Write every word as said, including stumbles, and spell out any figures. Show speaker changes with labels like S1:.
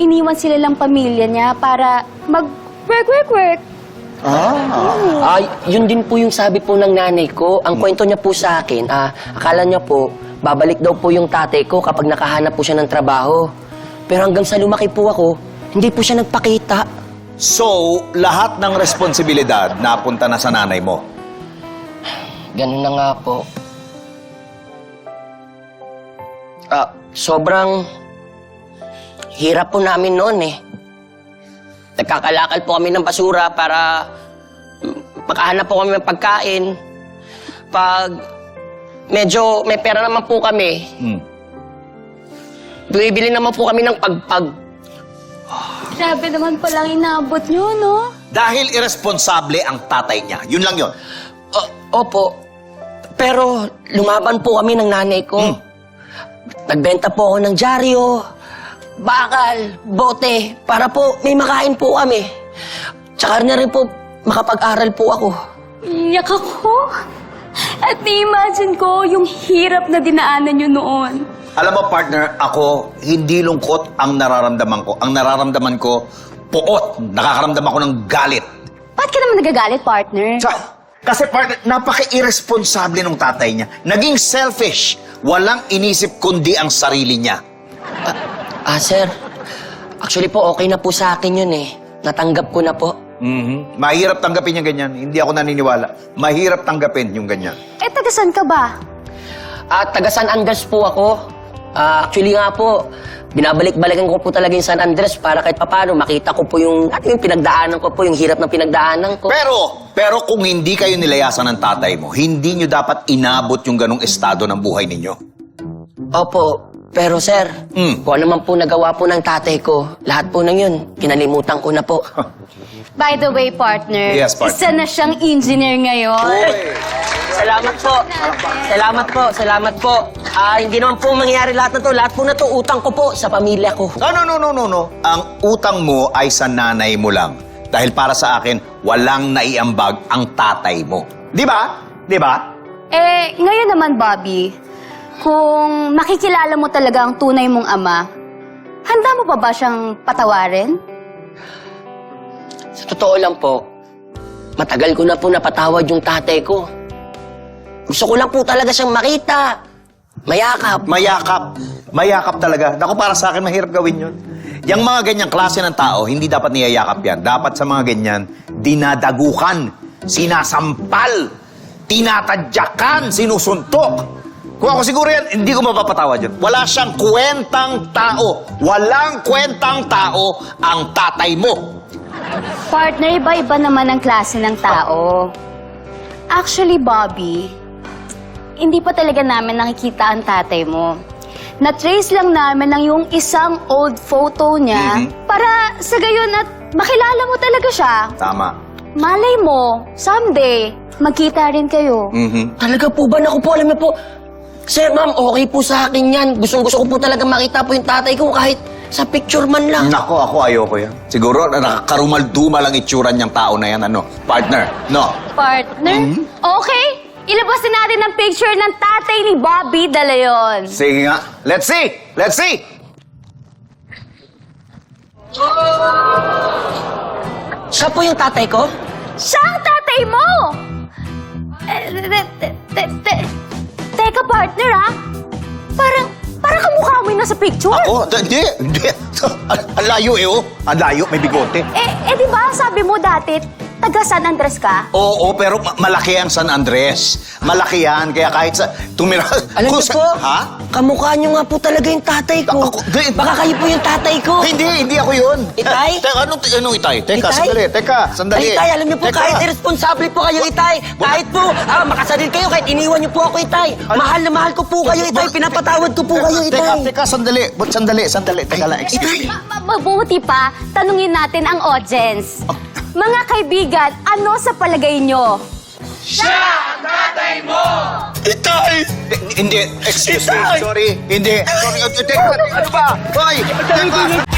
S1: iniwan sila lang pamilya niya para mag-work-work-work.
S2: Ah.
S3: Ah, yun din po yung sabi po ng nanay ko. Ang kwento niya po sa akin, ah, akala niya po, babalik daw po yung tatay ko kapag nakahanap po siya ng trabaho. Pero hanggang sa lumaki po ako, hindi po siya nagpakita.
S2: So, lahat ng responsibilidad napunta na sa nanay mo.
S3: Ganun na nga po. Ah, sobrang hirap po namin noon eh. Nagkakalakal po kami ng basura para mm, makahanap po kami ng pagkain. Pag medyo may pera naman po kami,
S2: Hmm.
S3: bumibili naman po kami ng pagpag.
S1: Grabe naman palang inaabot niyo, no?
S2: Dahil irresponsable ang tatay niya. Yun lang yun.
S3: O- opo. Pero lumaban po kami ng nanay ko.
S2: Hmm.
S3: Nagbenta po ako ng dyaryo, bakal, bote, para po may makain po kami. Tsaka na rin po makapag-aral po ako.
S1: Iyak ako. At ni-imagine ko yung hirap na dinaanan niyo noon.
S2: Alam mo, partner, ako, hindi lungkot ang nararamdaman ko. Ang nararamdaman ko, puot. Nakakaramdam ako ng galit.
S1: Ba't ka naman nagagalit, partner?
S2: Sa, kasi partner, napaka-irresponsable ng tatay niya. Naging selfish. Walang inisip kundi ang sarili niya.
S3: Ah, sir, actually po okay na po sa akin yun eh. Natanggap ko na po.
S2: Mhm. Mahirap tanggapin yung ganyan. Hindi ako naniniwala. Mahirap tanggapin yung ganyan.
S1: Eh, tagasan ka ba?
S3: At taga San Andres po ako. Ah, actually nga po, binabalik-balikan ko po talaga yung San Andres para kahit papano makita ko po yung, ano yung pinagdaanan ko po, yung hirap ng pinagdaanan ko.
S2: Pero, pero kung hindi kayo nilayasan ng tatay mo, hindi nyo dapat inabot yung ganong estado ng buhay ninyo.
S3: Opo, pero sir,
S2: Mm.
S3: kung ano man po nagawa po ng tatay ko, lahat po ng yun, kinalimutan ko na po.
S1: By the way, partner,
S2: Yes, partner.
S1: isa na siyang engineer ngayon.
S3: Salamat po. Salamat po, salamat po. Ah, hindi naman po mangyayari lahat na to. Lahat po na to, utang ko po sa pamilya ko.
S2: No, no, no, no, no, no. Ang utang mo ay sa nanay mo lang. Dahil para sa akin, walang naiambag ang tatay mo. Di ba? Di ba?
S1: Eh, ngayon naman, Bobby, kung makikilala mo talaga ang tunay mong ama, handa mo pa ba siyang patawarin?
S3: Sa totoo lang po, matagal ko na po napatawad yung tatay ko. Gusto ko lang po talaga siyang makita. Mayakap.
S2: Mayakap. Mayakap talaga. Naku, para sa akin, mahirap gawin yun. Yung mga ganyang klase ng tao, hindi dapat niyayakap yan. Dapat sa mga ganyan, dinadagukan, sinasampal, tinatadyakan, sinusuntok. Kung ako siguro yan, hindi ko mapapatawad yun. Wala siyang kwentang tao. Walang kwentang tao ang tatay mo.
S1: Partner, iba-iba naman ang klase ng tao. Actually, Bobby, hindi pa talaga namin nakikita ang tatay mo. Na-trace lang namin ang yung isang old photo niya
S2: Mhm.
S1: para sa gayon at makilala mo talaga siya.
S2: Tama.
S1: Malay mo, someday, magkita rin kayo.
S2: Mhm.
S3: Talaga po ba? Naku po, alam niyo po. Sir, ma'am, okay po sa akin yan. Gustong gusto ko po talaga makita po yung tatay ko kahit sa picture man lang.
S2: Nako, ako ayoko yan. Siguro, nakakarumal-dumal ang itsura niyang tao na yan, ano? Partner, no?
S1: Partner?
S2: Mhm.
S1: Okay, ilabas na natin ang picture ng tatay ni Bobby Dalayon.
S2: Sige nga. Let's see! Let's see!
S3: Siya po yung tatay ko?
S1: Siya ang tatay mo! Eh, te, te, te, te, teka, partner, ah. Parang, parang kamukha mo yun nasa picture.
S2: Oh, hindi, hindi. Ang ang layo eh, oh. Ang layo, may bigote.
S1: Eh, eh, di ba sabi mo dati, taga San Andres ka?
S2: Oo, pero ma- malaki ang San Andres. Malaki yan, kaya kahit sa... Tumira...
S3: Alam
S2: Kung
S3: niyo
S2: sa-
S3: po,
S2: Ha?
S3: kamukha niyo nga po talaga yung tatay ko.
S2: Ako- di-
S3: Baka kayo po yung tatay ko.
S2: Hindi, hindi ako yun.
S3: Itay?
S2: Te- Teka, anong, anong itay? Teka,
S3: Itay?
S2: sandali, teka, sandali.
S3: Ay, Itay, alam niyo po,
S2: Teka.
S3: kahit irresponsible po kayo, Itay. Kahit po, ah, makasadil kayo, kahit iniwan niyo po ako, Itay. Mahal na mahal ko po kayo, Itay. Pinapatawad ko po kayo,
S2: Teka,
S3: Itay.
S2: teka, sandali. But sandali, sandali. Teka lang, excuse me.
S1: Ma- ma- Mabuti pa, tanungin natin ang audience. Mga kaibigan, ano sa palagay nyo?
S2: Itay! Hindi, excuse me,
S3: Itay!
S2: sorry. Hindi. Sorry, teka, ano ba? Hoy! Teka!